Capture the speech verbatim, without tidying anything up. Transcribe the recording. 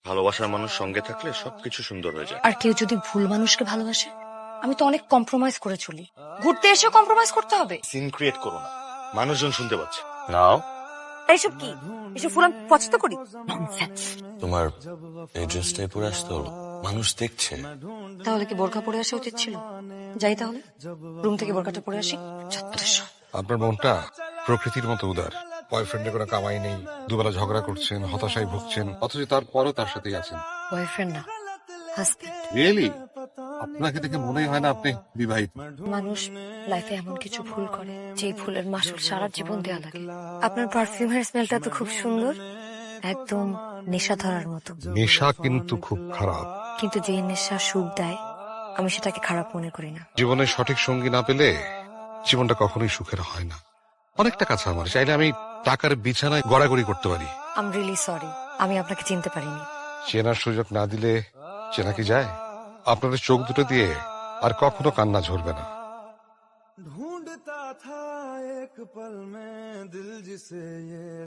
ভালোবাসার মানুষ সঙ্গে থাকলে সবকিছু সুন্দর হয়ে যায়। আর কেউ যদি ভুল মানুষকে ভালোবাসে, আমি তো অনেক কম্প্রোমাইজ করে চলি। ঘুরতে এসেও কম্প্রোমাইজ করতে হবে? সিন ক্রিয়েট করো না, মানুষজন শুনতে পাচ্ছে। নাও, এইসব কি? এসব ফুল আমি পছন্দ করি? ননসেন্স। তোমার এই ড্রেসটাই পরে আসতে হলো, মানুষ দেখছে। তাহলে কি বোরকা পরে আসা উচিত ছিল? যাই তাহলে রুম থেকে বোরকাটা পরে আসি। আপনার মনটা প্রকৃতির মতো উদার। বয়ফ্রেন্ডের কোনো কামাই নেই, দুবেলা ঝগড়া করছেন, হতাশায় ভুগছেন, অথচ তারপরও তার সাথেই আছেন। বয়ফ্রেন্ড না, হাজবেন্ড। রিয়েলি? আপনাকে দেখে মনেই হয় না আপনি বিবাহিত। মানুষ লাইফে এমন কিছু ভুল করে যে ভুলের মাসুল সারা জীবন দেওয়া লাগে। আপনার পারফিউমের স্মেলটা তো খুব সুন্দর, একদম নেশা ধরার মতো। নেশা কিন্তু খুব খারাপ। কিন্তু যে নেশা সুখ দেয়, আমি সেটাকে খারাপ মনে করি না। জীবনে সঠিক সঙ্গী না পেলে জীবনটা কখনোই সুখের হয় না। অনেক টাকা আছে আমার, চাইলে আমি টাকার বিছানায় গড়াগড়ি করতে পারি। আম রিয়েলি সরি, আমি আপনাকে চিনতে পারিনি। চেনার সুযোগ না দিলে চেনা কি যায়? আপনাদের চোখ দুটো দিয়ে আর কখনো কান্না ঝরবে না। ढूंढता था एक पल में दिल जिसे ये